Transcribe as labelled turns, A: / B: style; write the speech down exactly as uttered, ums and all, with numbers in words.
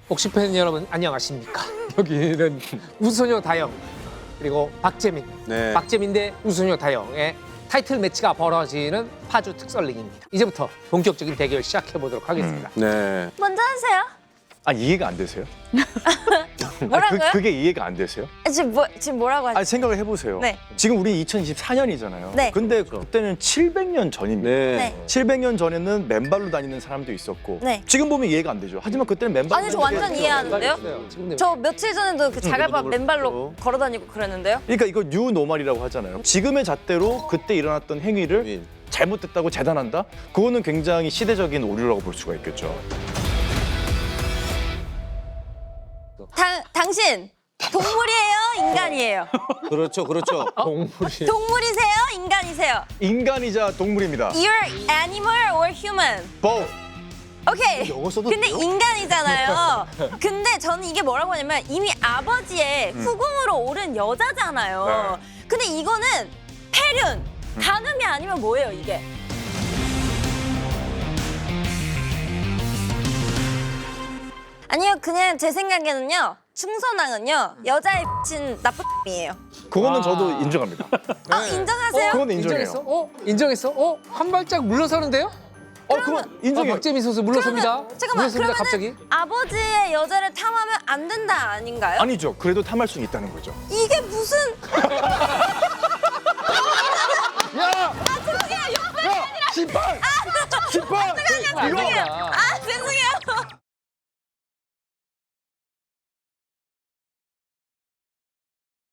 A: 복식 팬 여러분 안녕하십니까? 여기는 우소녀 다영 그리고 박재민,
B: 네.
A: 박재민 대 우소녀 다영의 타이틀 매치가 벌어지는 파주 특설링입니다. 이제부터 본격적인 대결 시작해 보도록 하겠습니다.
B: 네.
C: 먼저 하세요.
D: 아 이해가 안 되세요?
C: 뭐라고요?
D: 아, 그, 그게 이해가 안 되세요?
C: 지금 뭐 지금 뭐라고 하죠?
D: 아 생각을 해보세요.
C: 네.
D: 지금 우리 이천이십사 년이잖아요.
C: 네.
D: 근데 그때는 칠백 년 전입니다.
B: 네.
C: 네.
D: 칠백 년 전에는 맨발로 다니는 사람도 있었고
C: 네.
D: 지금 보면 이해가 안 되죠. 하지만 그때는 맨발로
C: 아니 저
D: 다니는
C: 완전
D: 게
C: 이해하는데요?
A: 지금
C: 저 며칠 전에도 그 자갈밥
B: 음,
C: 맨발로
B: 그렇죠.
C: 걸어다니고 그랬는데요.
D: 그러니까 이거 뉴노멀이라고 하잖아요. 지금의 잣대로 그때 일어났던 행위를
B: 윈.
D: 잘못됐다고 재단한다? 그거는 굉장히 시대적인 오류라고 볼 수가 있겠죠.
C: 당 당신 동물이에요, 인간이에요?
B: 그렇죠, 그렇죠.
A: 동물이
C: 동물이세요, 인간이세요?
D: 인간이자 동물입니다.
C: You're animal or human?
D: both.
C: 오케이.
B: 영어 써도
C: 근데
B: 돼요?
C: 인간이잖아요. 근데 저는 이게 뭐라고 하냐면 이미 아버지의 후궁으로 오른 여자잖아요. 근데 이거는 폐륜, 간음이 아니면 뭐예요, 이게? 아니요, 그냥 제 생각에는요. 충선왕은요. 여자의 친 나쁜 이에요.
D: 그거는
A: 아.
D: 저도 인정합니다.
C: 아, 인정하세요?
D: 그건 인정해요.
A: 인정했어? 어? 인정했어? 어? 한 발짝 물러서는데요?
D: 어, 그건
A: 어,
D: 인정해요.
A: 박재민 선수 물러섭니다.
C: 그러면, 잠깐만,
A: 물러섭니다,
C: 그러면은
A: 갑자기.
C: 아버지의 여자를 탐하면 안 된다 아닌가요?
D: 아니죠. 그래도 탐할 수는 있다는 거죠.
C: 이게 무슨